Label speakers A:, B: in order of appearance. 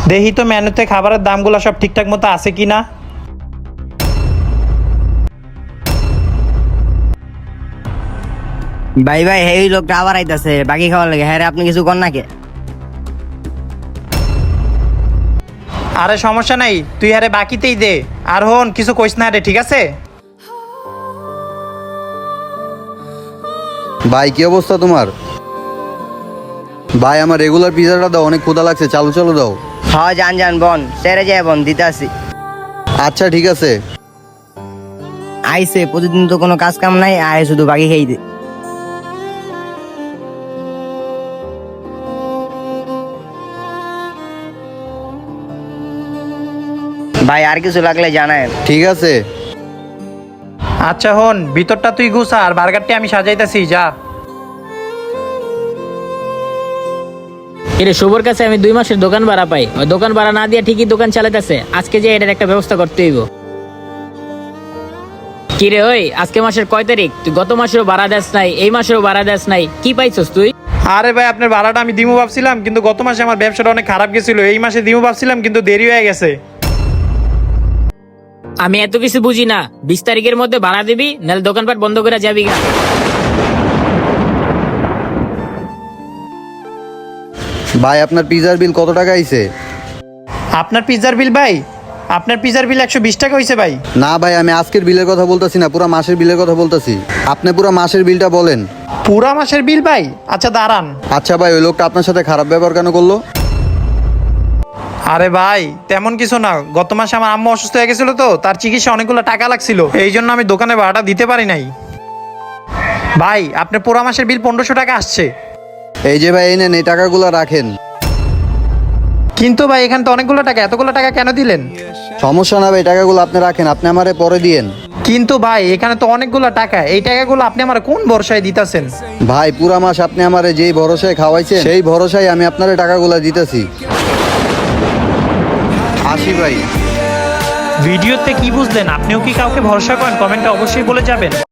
A: দেখি তো মেনুতে খাবারের দামগুলো সব ঠিকঠাক মতো আছে কি না।
B: ভাই ভাই এই লোকটা আবার আইতাছে বাকি খাওয়ার লাগে। হ্যাঁ রে, আপনি কিছু কর নাকি?
A: আরে সমস্যা নাই, তুই আরে বাকিতেই দে। আর হন কিছু কইস না রে, ঠিক আছে?
C: ভাই কি অবস্থা তোমার? ভাই আমার রেগুলার পিজাটা দাও, অনেক ক্ষুধা লাগছে, চালু চালু দাও।
B: হ্যাঁ যান যান বোন, সেরে যায় বোন, দিতে আসি।
C: আচ্ছা ঠিক আছে।
B: আইসে প্রতিদিন তো কোনো কাজ কাম নাই, আয় শুধু বাকি খেয়ে দে। ভাই আর কিছু লাগলে জানায়।
C: ঠিক আছে।
A: আচ্ছা হন, ভিতরটা তুই গুছা আর বার্গারটি আমি সাজাইতাছি, যা।
D: এরে শুভর কাছে আমি 2 মাসের দোকান ভাড়া পাই, ওই দোকান ভাড়া না দিয়ে ঠিকই দোকান চালাইতেছে। আজকে যে এটার একটা ব্যবস্থা করতে হইব। কিরে ওই, আজকে মাসের কয় তারিখ? তুই গত মাসেরও ভাড়া দেস নাই, এই মাসেরও ভাড়া দেস নাই, কি পাইছস তুই?
A: আরে ভাই, আপনার ভাড়াটা আমি দিমু ভাবছিলাম, কিন্তু গত মাসে আমার ব্যবসাটা অনেক খারাপ গেছিল। এই মাসে দিমু ভাবছিলাম, কিন্তু দেরি হয়ে গেছে।
D: আমি এত কিছু বুঝি না, 20 তারিখের মধ্যে ভাড়া দিবি, নাহলে দোকানপাট বন্ধ করে যাবি গা।
C: ভাই আপনার পিজার বিল কত টাকা আইছে?
A: আপনার পিৎজার বিল ভাই? আপনার পিৎজার বিল 120 টাকা হয়েছে ভাই।
C: না ভাই, আমি আজকের বিলের কথা বলতেছি না, পুরো মাসের বিলের কথা বলতেছি। আপনি পুরো মাসের বিলটা বলেন।
A: পুরা মাসের বিল ভাই? আচ্ছা দাঁড়ান।
C: আচ্ছা ভাই, ওই লোকটা আপনার সাথে খারাপ ব্যবহার কেন করলো?
A: আরে ভাই তেমন কিছু না, গত মাসে আমার আম্মু অসুস্থ হয়ে গেছিল, তো তার চিকিৎসা অনেকগুলো টাকা লাগছিল, এই জন্য আমি দোকানে ভাড়াটা দিতে পারি নাই। ভাই আপনার পুরা মাসের বিল 1500 টাকা আসছে।
C: এই যে ভাই, এই নেন, এই টাকাগুলো রাখেন।
A: কিন্তু ভাই এখানে তো অনেকগুলো টাকা, এতগুলো টাকা কেন দিলেন?
C: সমস্যা না ভাই, টাকাগুলো আপনি রাখেন, আপনি আমারে পরে দিয়েন।
A: কিন্তু ভাই এখানে তো অনেকগুলো টাকা, এই টাকাগুলো আপনি আমার কোন ভরসায় দিতেছেন?
C: ভাই পুরা মাস আপনি আমারে যেই ভরসায় খাওয়াইছেন, সেই ভরসায় আমি আপনারে টাকাগুলো দিতেছি। আসি ভাই।
A: ভিডিওতে কি বুঝলেন? আপনিও কি কাউকে ভরসা করেন? কমেন্টে অবশ্যই বলে যাবেন।